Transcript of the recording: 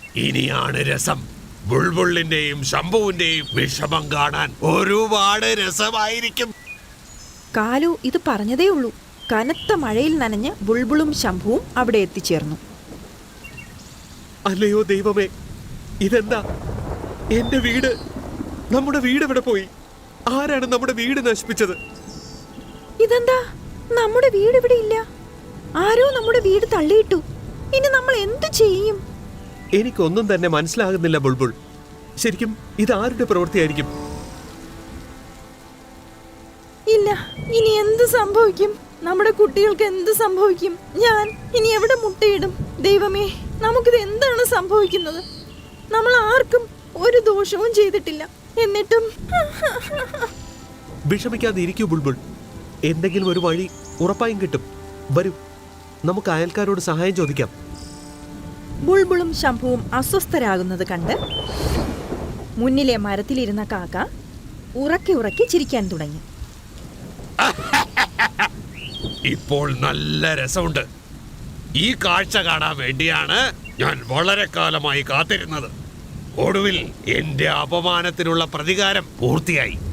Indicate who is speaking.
Speaker 1: ഇനിയാണ് രസം. ബുൾബുളിന്റെയും ശംഭുവിന്റെയും വിഷമം കാണാൻ ഒരുപാട് രസമായിരിക്കും.
Speaker 2: കാലു ഇത് പറഞ്ഞതേ ഉള്ളൂ. കനത്ത മഴയിൽ നനഞ്ഞ് ബുൾബുളും ശംഭുവും അവിടെ എത്തിച്ചേർന്നു.
Speaker 3: അല്ലയോ ദൈവമേ, ഇതെന്താ? എന്റെ വീട്, നമ്മുടെ വീട് എവിടെ പോയി? ആരാണ് നമ്മുടെ വീട് നശിപ്പിച്ചത്?
Speaker 2: ഇതെന്താ, നമ്മുടെ വീട് ഇവിടെ ഇല്ല. ആരോ നമ്മുടെ വീട് തള്ളിയിട്ടു. ഇനി നമ്മൾ എന്തു ചെയ്യും?
Speaker 3: എനിക്കൊന്നും തന്നെ മനസ്സിലാകുന്നില്ല ബുൾബുൾ. ശരിക്കും ഇത് ആരുടെ പ്രവൃത്തിയായിരിക്കും?
Speaker 2: ഇല്ല, ഇനി എന്ത് സംഭവിക്കും? നമ്മുടെ കുട്ടികൾക്ക് എന്ത് സംഭവിക്കും? ഞാൻ ഇനി എവിടെ മുട്ടയിടും? ദൈവമേ, നമുക്കിത് എന്താണ് സംഭവിക്കുന്നത്? നമ്മൾ ആർക്കും ഒരു ദോഷവും ചെയ്തിട്ടില്ല, എന്നിട്ടും.
Speaker 3: വിഷമിക്കാതെ ഇരിക്കൂ ബുൾബുൾ. എന്തെങ്കിലും ഒരു വഴി ഉറപ്പായും കിട്ടും. വരൂ, നമുക്ക് അയൽക്കാരോട് സഹായം ചോദിക്കാം.
Speaker 2: ബുൾബുളും ശംഭുവും അസ്വസ്ഥരാകുന്നത് കണ്ട് മുന്നിലെ മരത്തിലിരുന്ന കാക്ക ഉറക്കെ ഉറക്കെ ചിരിക്കാൻ തുടങ്ങി.
Speaker 1: ഇപ്പോൾ നല്ല രസമുണ്ട്. ഈ കാഴ്ച കാണാൻ വേണ്ടിയാണ് ഞാൻ വളരെ കാലമായി കാത്തിരുന്നത്. ഒടുവിൽ എന്റെ അപമാനത്തിനുള്ള പ്രതികാരം പൂർത്തിയായി.